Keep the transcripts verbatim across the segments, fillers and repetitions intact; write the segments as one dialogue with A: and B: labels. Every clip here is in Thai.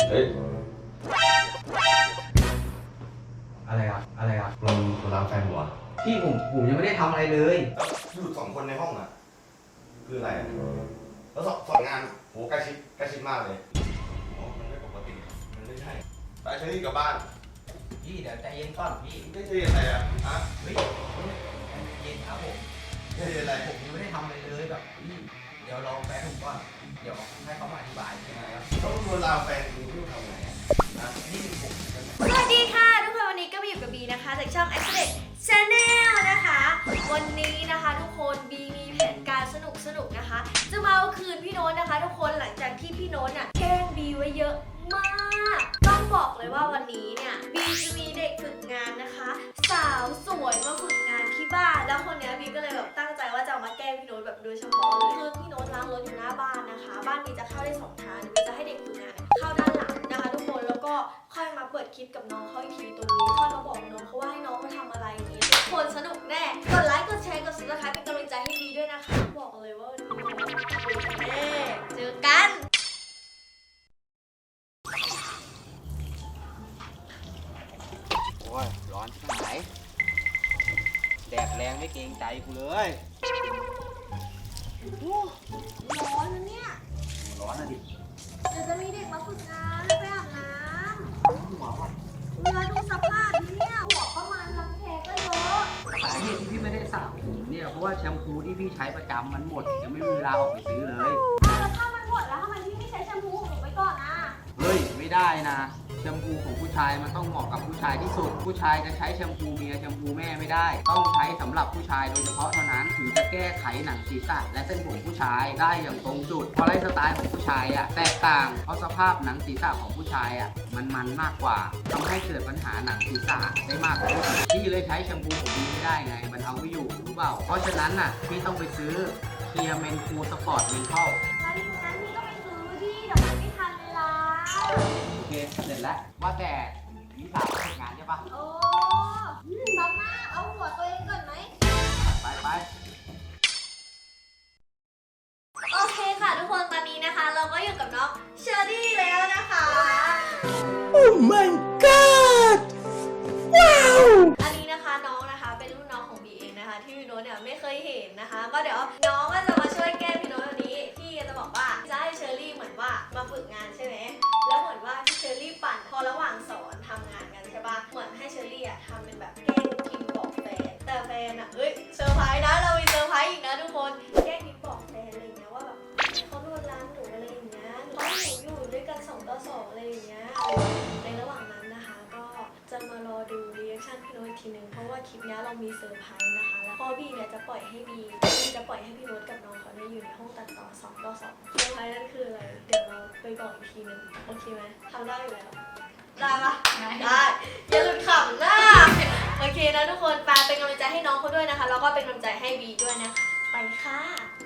A: เฮ้ย
B: อะไรครับอะไรครับ
A: มึงกูรับแฟนหัว
B: พี่ผมผมยังไม่ได้ทำอะไรเลย
A: แล้วอยู่สองคนในห้องอ่ะคืออะไรอะแล้วสองสองงานโหใกล้ชิดใกล้ชิดมากเลยอ๋อมันไม่ปกติมันไม่ใช่ไปเชอรี่กลับบ้าน
B: พี่เดี๋ยวใจเย็นก่อนพี่
A: ไม่ใช่อะไรอ่ะฮะ
B: เฮ้ยเย็นครับผม
A: ไม่ใช่อะไร
B: ผมยังไม่ได้ทำอะไรเลยแบบพี่เดี๋ยวรอแฟนผมก่อนเดี๋ยวให้เขามาอธิบายใช่ไหมครับ
A: ต้องโดนลามแฟนกูที่ทำไงอ่ะนะ
B: นี่คือผม
C: สวัสดีค่ะทุกคนวันนี้ก็มาอยู่กับบีนะคะจากช่อง Accident Channel นะคะ วันนี้นะคะทุกคนบีมีแผนการสนุกสนุกนะคะ จะมาเอาคืนพี่โน้ตนะคะ ทุกคนหลังจากที่พี่โน้ตน่ะแกล้งบีไว้เยอะมาก ต้องบอกเลยว่าวันนี้เนี่ยบีจะมีเด็กฝึกงานนะคะ สาวสวยมาฝึกงานที่บ้านแล้วคนนี้บีก็เลยแบบตั้งใจว่าจะเอามาแกล้งพี่โน้ตแบบโดยเฉพาะเลยคือพี่โน้ตล้างรถอยู่หน้าบ้านนะคะ บ้านบีจะเข้าได้สองทางบีจะให้เด็กฝึกงานเข้าด้านหลังนะคะทุกคนแล้วก็ค่อยมาเปิดคลิปกับน้องเขาอีกทีตรงนี้ค่อยมาบอกน้องเขาว่าให้น้องเขาทำอะไรอย่างนี้ทุกคนสนุกแน่กดไลค์กดแชร์กดซับสไครป์เป็นกำลังใจให้บีด้วยนะคะบอกเลยว่าวันนี้แน่เจอกัน
B: โอ้ยร้อนที่ไหนแดดแรงไม่เกรงใจกูเลย
C: โอ้ร้อนนะเนี่ย
B: ร้อนนะดิ
C: เดี๋ยวจะมีเด็กมาฝึกงานไปอาบน้ำ
B: หัวว่ะ
C: เรือดูสภาพนี่เนี่ยหัวประมาณรังแคก็เยอะ
B: สาเหตุที่พี่ไม่ได้สระผมเนี่ยเพราะว่าแชมพูที่พี่ใช้ประจำมันหมดยังไม่มีเวลาออกไปซื้อเลย
C: แล้วถ้ามันหมดแล้วทำไมพี่ไม่ใช้แชมพูของหนูไปก่อนอ่ะ
B: เฮ้ยไม่ได้นะแชมพูของผู้ชายมันต้องเหมาะกับผู้ชายที่สุดผู้ชายจะใช้แชมพูเมียแชมพูแม่ไม่ได้ ต้องใช้สำหรับผู้ชายโดยเฉพาะเท่านั้นถึงจะแก้ไขหนังศีรษะและเส้นผมผู้ชายได้อย่างตรงจุดเพราะไลฟ์สไตล์ของผู้ชายอ่ะแตกต่างเพราะสภาพหนังศีรษะของผู้ชายอ่ะมันมันมากกว่าทำให้เกิดปัญหาหนังศีรษะได้มากกว่าพี่เลยใช้แชมพูของพี่ไม่ได้ไงมันเอาไม่อยู่รู้เปล่าเพราะฉะนั้นน่ะพี่ต้องไปซื้อเคียร์เมนคูสปอร์ตเมนทัล
C: แล้วทีนั้นพี่ก็ไปซื้อที่เดี๋ยวมันไม่ทันเวลา
B: โอเคเสร็จแล้วว่าแต่วิสาทำงานใช่ปะ
C: โอ้ซับหน้าเอาหัวตัวเองก่อนไหม
B: ไปไป
C: โอเคค่ะทุกคนตอนนี้นะคะ เราก็อยู่กับน้องเชอรี่แล้วนะคะ
D: Oh my god ว้าว
C: อันนี้นะคะน้องนะคะเป็นรุ่นน้องของบีเองนะคะที่พี่โน้ตเนี่ยไม่เคยเห็นนะคะ ก็เดี๋ยวน้องก็จะมาช่วยแก้พี่โน้ตวันนี้พี่จะบอกว่าจะให้เชอรี่เหมือนว่ามาฝึกงานใช่ไหมแล้วเหมือนว่าที่เชอรี่ปั่นพอระหว่างสอนทำงานกันใช่ปะเหมือนให้เชอรี่อะทำเป็นแบบแกล้งพิมพ์บอกแฟนแต่แฟนอะเอ้ยเซอร์ไพรส์นะเรามีเซอร์ไพรส์อีกนะทุกคนแกล้งพิมพ์บอกแฟนอะไรอย่างเงี้ยว่าแบบเขาลวนลามหนูอะไรอย่างเงี้ยเขาให้หนูอยู่ด้วยกันสองต่อสองอะไรอย่างเงี้ยในระหว่างนั้นนะคะก็จะมารอดูรีแอคชั่นพี่โน้ตอีกทีนึงเพราะว่าคลิปนี้เรามีเซอร์ไพรส์นะคะแล้วพ่อบีเนี่ยจะปล่อยให้บีบีจะปล่อยให้พี่โน้ตกับน้องเขาเนี่ยอยู่ในห้องตัดต่อสองต่อสองเซอร์ไพรส์นั่นคืออะไรเดี๋ยวเราไปบอกอีกทีนึงโอเคไหมทำได้อยู่แล้วได้ปะได้อย่าหลุดขำนะโอเคนะทุกคนไปเป็นกำลังใจให้น้องเขาด้วยนะคะแล้วก็เป็นกำลังใจให้บีด้วยนะคะไปค่ะ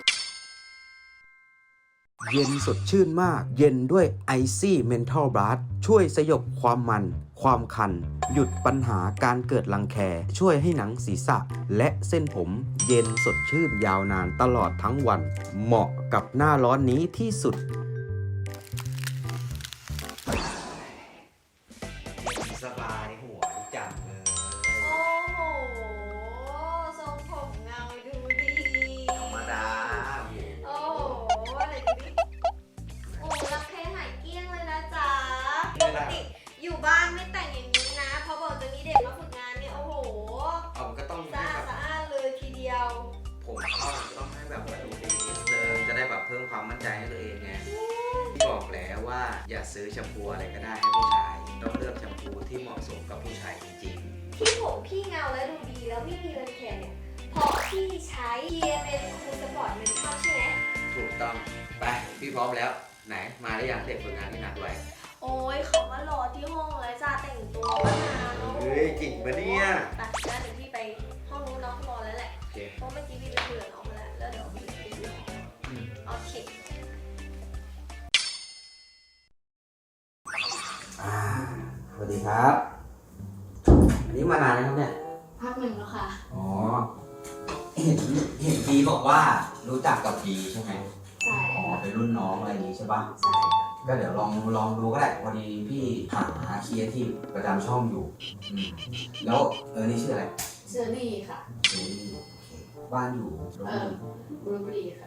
D: เย็นสดชื่นมาก เย็นด้วย Icy Mental Blast ช่วยสยบความมัน ความคัน หยุดปัญหาการเกิดรังแค ช่วยให้หนังศีรษะ และเส้นผม เย็นสดชื่นยาวนานตลอดทั้งวัน เหมาะกับหน้าร้อนนี้ที่สุด
B: สบายหัวจังเลย
C: โอ้โหทรงผมเงาดูดี
B: ธรรมดา
C: โอ้โหอะไรดูดิโอ้รักแท้หายเกลี้ยงเลยนะจ๊ะปกติอยู่บ้านไม่แต่งอย่างนี้นะพอบอกจะมีเด็กมาฝึกงานเนี่ยโอ้โห
B: เอาก็ต้อง
C: สะอาดสะอ้านเลยทีเดียว
B: ผมเข้าต้องให้แบบว่าดูดีนิดนึงจะได้แบบเพิ่มความมั่นใจให้ตัวเองไงที่บอกแล้วว่าอย่าซื้อแชมพูอะไรก็ได้ให้ผู้ชายต้องเลือกแชมพูที่เหมาะสมกับผู้ชายจริง
C: ที่ผมพี่เงาและดูดีแล้วไม่มีรังแคเนี่ยเพราะพี่ใช้เทียเป็นคูสปอร์ตเป็นชอบใช่ไหม
B: ๆถูกต้องไปพี่พร้อมแล้วไหนมาได้ยังเด็กฝึกงานที่นัดไว้
C: โอ้ยเขามารอที่ห้องเลยจ้าแต่งตัวมานานแล้ว
B: เฮ้ยจริงปะเนี่ย
C: ตัดนะเดี๋ยวพี่ไปห้องนู้นน้องรอแล้วแหละ
B: โอเค
C: เพราะเมื่อกี้พี่ไปคุยกับน้องมาแล้วแล้วเดี๋ยวพี่ไปดูโอเค
B: อ่าสวัสดีครับอันนี้มานานแล้วครับเนี่ย
C: พักหนึ่งแล้วค่ะ
B: อ๋อเห็นเห็นบีบอกว่ารู้จักกับบีใช่ไหม
C: ใช่
B: อ๋อเป็นรุ่นน้องอะไรอย่างนี้ใช่ปะ
C: ใช่ค่ะ
D: ก็เดี๋ยวลองลองดูก็ได้พอดีพี่หาครีเอทีฟประจำช่องอยู่อืมแล้วเออนี่ชื่ออะไร
C: เชอรี่ค่ะ
D: เฮ้ยโอเคบ้านอยู่โรง
C: เอ
D: เรีย
C: อน บลูเบอรี่ค่ะ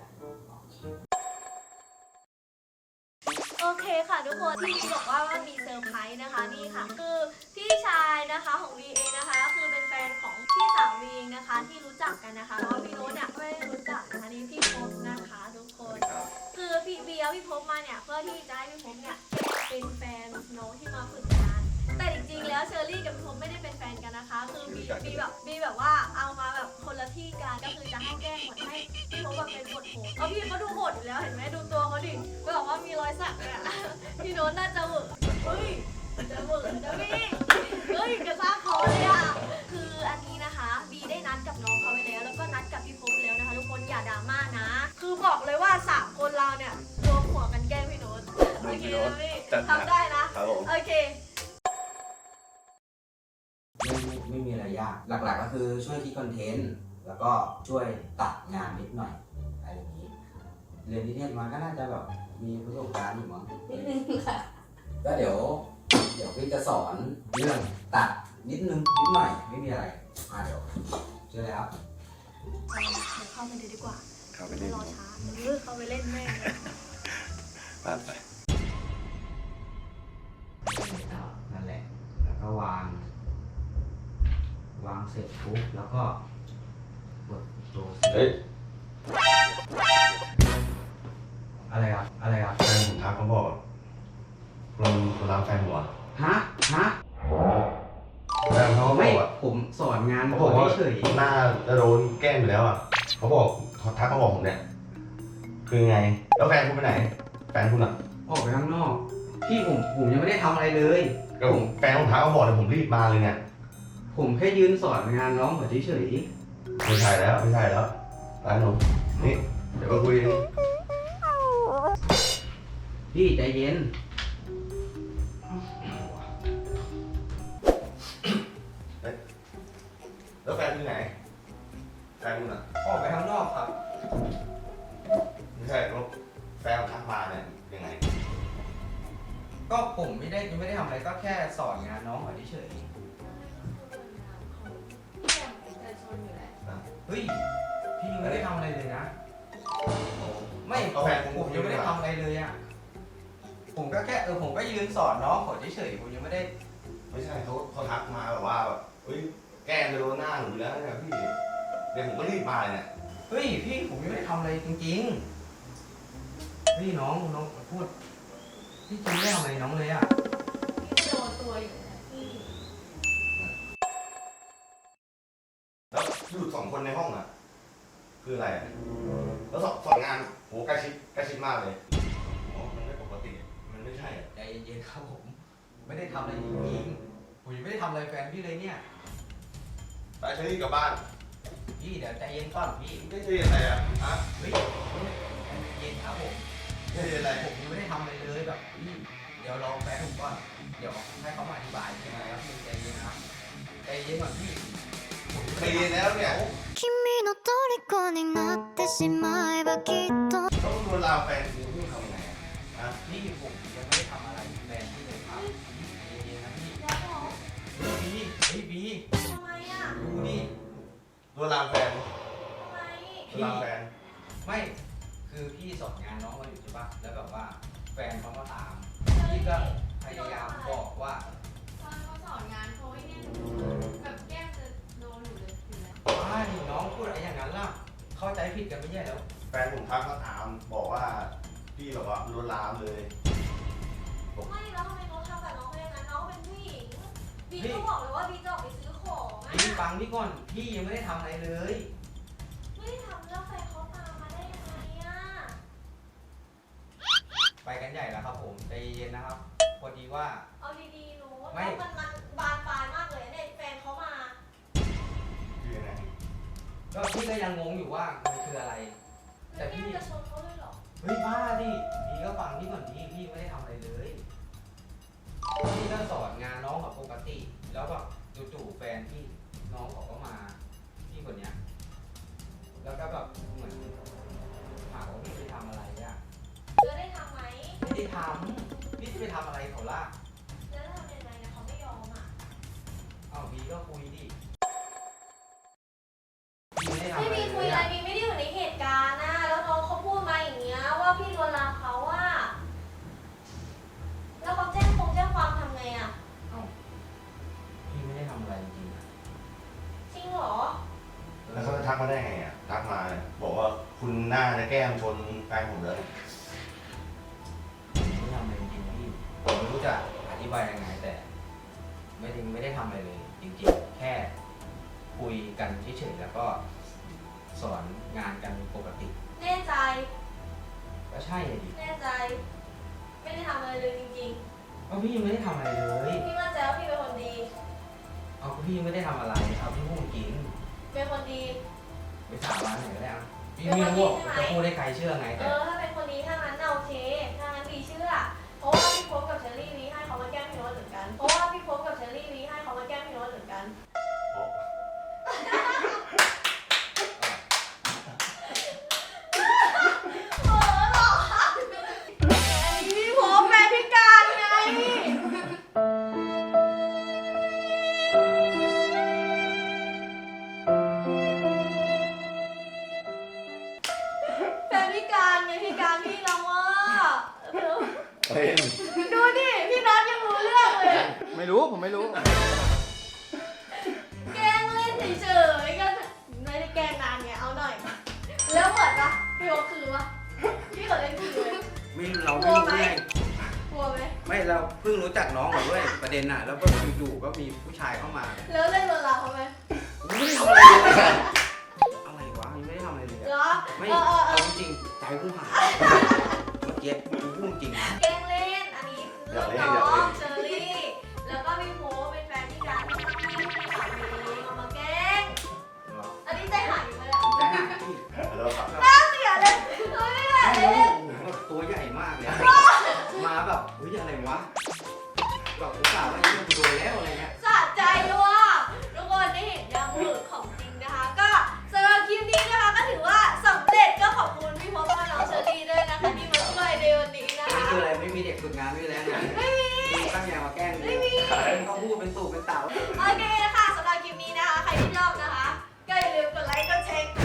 C: โอเคค่ะทุกคนที่บอกว่าว่ามีเซอร์ไพรส์นะคะนี่ค่ะ คือพี่ชายนะคะของวีเองนะคะคือเป็นแฟนของพี่สาววีเองนะคะที่รู้จักกันนะคะเพราะว่าพี่โน้ตเนี่ยไม่ได้รู้จักนะคะนี่พี่พบนะคะทุกคน คือพี่เบียร์พี่พบมาเนี่ยเพื่อที่จะให้พี่พบเนี่ยเป็นแฟนน้องที่มาฝึกงานแต่จริงๆแล้วเชอรี่กับพี่พบไม่ได้เป็นแฟนกันนะคะ คือบีบีแบบบีแบบว่าเอามาแบบคนละที่กันก็คือจะให้แกล้งหมดให้พี่พบแบบเป็นบทโหดเอาพี่เขาดูโหดอยู่แล้วเห็นไหมดูตัวเขาดิแบบว่ามีรอยสักเลยอะพี่โน้ตน่าจะเหวอเฮ้ยจะเหวอจะพี่เฮ้ยกระซ่าคอเลยอะคืออันนี้นะคะบีได้นัดกับน้องเขาไปแล้วแล้วก็นัดกับพี่พบแล้วนะคะทุกคนอย่าดราม่านะ คือบอกเลยว่าสามคนเราเนี่ยรวมหัวกันแกล้งพี่โน้ตโอเคนะพี่ทำได้นะครับ
A: ผม
C: โอเค
D: ไม่ไม่ไม่มีอะไรยาก หลักๆก็คือช่วยคิดคอนเทนต์ แล้วก็ช่วยตัดงานนิดหน่อยอะไรอย่างนี้ เรียนนิเทศมาก็น่าจะแบบมีประสบการณ์อยู่มั้ง
C: นิดนึงค่ะ
D: ก็เดี๋ยว เดี๋ยวพี่จะสอนเรื่องตัดนิดนึงนิดหน่อยไม่มีอะไรอ่าเดี๋ยวเจอแล้ว
C: เอาเดี๋ยวเข้าไปดูดีกว่า
A: เข้าไป
C: ไม่
A: เล่น
C: รอช้าเออเข้าไปเล่นแม่งเลย
A: ผ่านไป
D: นั่นแหละ แล้วก็วาง วางเสร็จปุ๊บแล้วก็กดตัว
A: เฮ้ย
D: อะไรครับอะไรครับ
A: แฟนผมทักเขาบอกคนคนรับแฟนหัว
D: ฮะฮะ
A: แฟนเขาบ
D: ไม่
A: อกว่า
D: ผมสอนงาน
A: เขาบอกว่า
D: เฉย
A: หน้าจะโดนแกล้งอยู่แล้วอ่ะเขาบอกเขาทักเขาบอกผมเนี่ย คือไง แล้วแฟนคุณไปไหน แฟนคุณอ่ะ
D: ออกไปข้างนอกพี่ผมผมยังไม่ได้ทำอะไรเลย
A: ก็ผมแฟนผมทักเขาบอกเลยผมรีบมาเลยเนี่ย
D: ผมแค่ยืนสอนงานน้องเขาเฉย
A: ไม่ใช่แล้วไม่ใช่แล้วร้านหนูนี่เดี๋ยวมาคุยกัน
D: ๆพี่ใจเย็น
A: แล้วแฟนคุณอยู่ไหน แฟนคุณอ่ะ
D: ออกไปข้างนอกครับ
A: ไม่ใช่แล้วแฟนผมทักมาเนี่ยยังไง
D: ก็ผมไม่ได้ยังไม่ได้ทำอะไรก็แค่สอนงานน้องเขาเฉยๆเฮ้ยพี่ยังไม่ได้ทำอะไรเลยนะ ไม่ผ
A: เอา
D: ม
A: แฟนผม
D: ผมยังไม่ได้ทำอะไรเลยอ่ะผมก็แค่เออผมก็ยืนสอนน้องเขาเฉยๆผมยังไม่ได้
A: ไม่ใช่เขาเขาทักมาแบบว่าแบบเฮ้ยแกล้งจะโดนหน้าหนูอยู่แล้วเนี่ยพี่เดี๋ยวผมก็รีบมาเลยเนี่ย
D: เฮ้ยพี่ผมยังไม่ได้ทำอะไรจริงๆพี่น้องน้องพูดพี่จริงไม่ได้ทำอะไรน้องเลยอ่ะ
C: พี่โดนตัวอยู่นะพี่
A: แล้วหลุดสองคนในห้องอ่ะ คืออะไรอะแล้วสองสองงานโหใกล้ชิดใกล้ชิดมากเลยอ๋อมันไม่ปกติมันไม่ใช่อะ
D: ใจเย็นๆครับผมไม่ได้ทำอะไรจริงๆผมยังไม่ได้ทำอะไรแฟนพี่เลยเนี่ย
A: ไปเชอรี่กลับบ้าน
D: พี่เดี๋ยวใจเย็นก่อนพี่
A: ไม่ใช่อะไรอ่ะฮะ
D: เฮ้ยใจเย็นครับผม
A: ไม่ใช่อะไร
D: ผมยังไม่ได้ทำอะไรเลยแบบพี่เดี๋ยวรอแฟนผมก่อนเดี๋ยวให้เขามาอธิบายใช่ไหมครับพี่ใจเย็นนะครับใจเย็นก่อนพี่ผม
A: เคยเรียนแล้วเนี่ย
E: 君の虜になってしまえばきっと
A: ต้องลวนลามแฟนคุณพี่ทำไงอะฮะ
D: พี่ผมยังไม่ได้ทำอะไรแฟนพี่เลยครับพี่ใจเย็นๆนะพี่
C: แล้วเหรอ
D: บีเฮ้ยบี
C: ทำไมอ่ะ
D: ดูดิ
A: ลวนลามแฟน
C: ทำไม
A: ลวนลามแฟน
D: ไม่คือพี่สอนงานน้องมาอยู่ใช่ปะแล้วแบบว่าแฟนเขามาตาม
C: เฮ้ย
D: พี่ก็พยายามบอกว่า
F: ตอนเขาสอนงานเขาไอ้เนี่ยแบบแก้มจะโดนอยู่เลยอยู่แล้ว
D: อ้ายน้องพูดอะไรอย่างนั้นล่ะเข้าใจผิดกันไม่ใช่แล้ว
A: แฟนผมทักมาถามบอกว่าพี่แบบว่าลวนลามเลย
C: ไม่แล้วทำไมเขาทำกับน้องเขาอย่างนั้นน้องเป็นผู้หญิงบีก็บอกเลยว่าบีจะออกไปซื้อของอ่ะ
D: พี่ฟังพี่ก่อนพี่ยังไม่ได้ทำอะไรเลย
C: ไม่ได้ทำแล้วแฟนเขาตามมาได้ยังไงอ่ะ
D: ไปกันใหญ่แล้วครับผมใจเย็นๆนะครับพอดีว่า
C: เอาดีๆหนู
D: ไม่
C: แล้วมันมันบานปลายมากเลยเนี่ยแฟนเขามา
A: คือยังไง
D: ก็พี่ก็ยังงงอยู่ว่ามันคืออะไร แต่
C: แล้ว
D: พี่
C: พี่จะชนเขาเลยเหรอ
D: เฮ้ยบ้าดิพี่ก็ฟังพี่ก่อนดิพี่ไม่ได้ทำอะไรเลยพี่ก็สอนงานน้องแบบปกติ แล้วแบบจู่ๆแฟนพี่น้องเขาก็มาพี่คนเนี้ยแล้วก็แบบเหมือนถามว่าพี่ไปทำอะไรอะ
C: เธอได้ทำไหม
D: ไม่ได้ทำ
B: อะไรเขาล่ะ
C: แล้วทำยังไงนะเขาไม่ยอมอ่ะ
B: เอาบีก็คุยดิบีไม่ได้ทำ
C: ไม่
B: อะไร
C: มี
B: เล
C: คุย
B: ย
C: อะไร
B: อะ
C: มีไม่ได้อยู่ในเหตุการณ์นะแล้วน้องเขาพูดมาอย่างเงี้ยว่าพี่ลวนลามเขาอะแล้วเขาแจ้งคงแจ้งความทำไงอะ
B: เอ้าพี่ไม่ได้ทำอะไรจริงๆอะ
C: จริงเหรอ
A: แล้วเขาจะทักมาได้ไงอ่ะทักมาเนี่ยบอกว่าคุณหน้าจะแก้มชนแฟนผมเลย
B: ผมไม่ได้ทำอะไรจริงๆนะพี่ผมไม่รู้จะอธิบายยังไงแต่ ไม่ได้ไม่ได้ทำอะไรเลย จริงๆ แค่คุยกันเฉยๆแล้วก็สอนงานกันปกติ
C: แน่ใจ
B: ก็ใช่เลยดิ
C: แน่ใจ ไม่ได้ทำอะไรเลยจริง
B: ก็พี่ไม่ได้ทำอะไรเลย
C: ๆ พี่มั่นใจว่าพี่เป็นคนดี
B: เอาก็พี่ไม่ได้ทำอะไรเอาพี่พูดจริง
C: เป็นคนดี
B: ไปสาบานไหนก็ได้เอาพี่ไม่รู้ว่าจะพูดให้ใครเชื่อไง
C: เอ
B: แต่
C: อ ถ้าเป็นคนดีถ้างั้นน่ะโอเค ถ้างั้นดีเชื่อ เพราะว่าพี่พบกับเชอรี่วีให้เขามาแกล้งพี่โน้ตเหมือนกัน เพราะว่าพี่พบกับเชอรี่วีให้เขามาแกล้งพี่โน้ตเหมือนกัน โอ้หรออันนี้พี่พบแฟนพิการไง แฟนพิการไงพิการพี่น้องว่า
A: เฮ้ย
C: ดูดิพี่น็อตยังรู้เรื่องเลย
B: ไม่รู้ผมไม่รู้
C: แกล้งเล่นเฉยๆก็ไม่ได้แกล้งนานไงเอาหน่อย แล้วเหมือนปะพี่โอคือปะพี่เขาเล่นคือเลย
B: ไม่เราไม่รู้ไง
C: กลัวไหม
B: ไม่เราเพิ่งรู้จักน้องเหรอด้วยประเด็นน่ะแล้วก็อยู่ๆก็มีผู้ชายเข้ามา
C: แล้วเล่นโดนเราเขาไหม
B: ไม่ได้ทำอะไรเลยอะไรวะยังไม่ได้ทำอะไรเลย
C: เหร
B: อะ
C: อ
B: ไม่
C: เออเออเอ
B: เอา
C: อ
B: จริงๆใจกูหายเมื่อกี้กูพูดจริงนะ
C: แกล้งเล่นอันนี้คือน้องเชอรี่แล้วก็พี่โพเป็นแฟนพิการที่พี่สามีเอามาแกล้ง
B: เหรอ
C: อันนี้ใจหายอยู่เลยอะ
B: ใจหายพี่
A: แล้วครับ
C: น่าเสียเลยเฮ้ยไม่ไหว
B: ไม่
C: เลย
B: รู้แบบตัวใหญ่มากเลยอะมาแบบเฮ้ยอะไรวะแบบอุตส่าห์ว่ายังกูโดนแล้วอะไรเงี้ย
C: สะใจว่ะทุกคนได้เห็นยังหมึกของจริงนะคะ ก็สำหรับคลิปนี้นะคะก็ถือว่าสำเร็จก็ขอบคุณพี่พบและน้องเชอรี่ด้วยนะคะที่มาช่วยในวันนี้นะ
B: นี่
C: คะ
B: คืออะไรไม่มีเด็กฝึกงานไม่มีแล้วนะ
C: ไม่มี
B: ตั้งใจมาแกล้ง
C: ไม่มี
B: เขาพูดเป็นตู่เป็นเต่า
C: โอเคค่ะสำหรับคลิปนี้นะคะ ใครที่ชอบนะคะ ก็อย่าลืมกดไลค์กดแชร์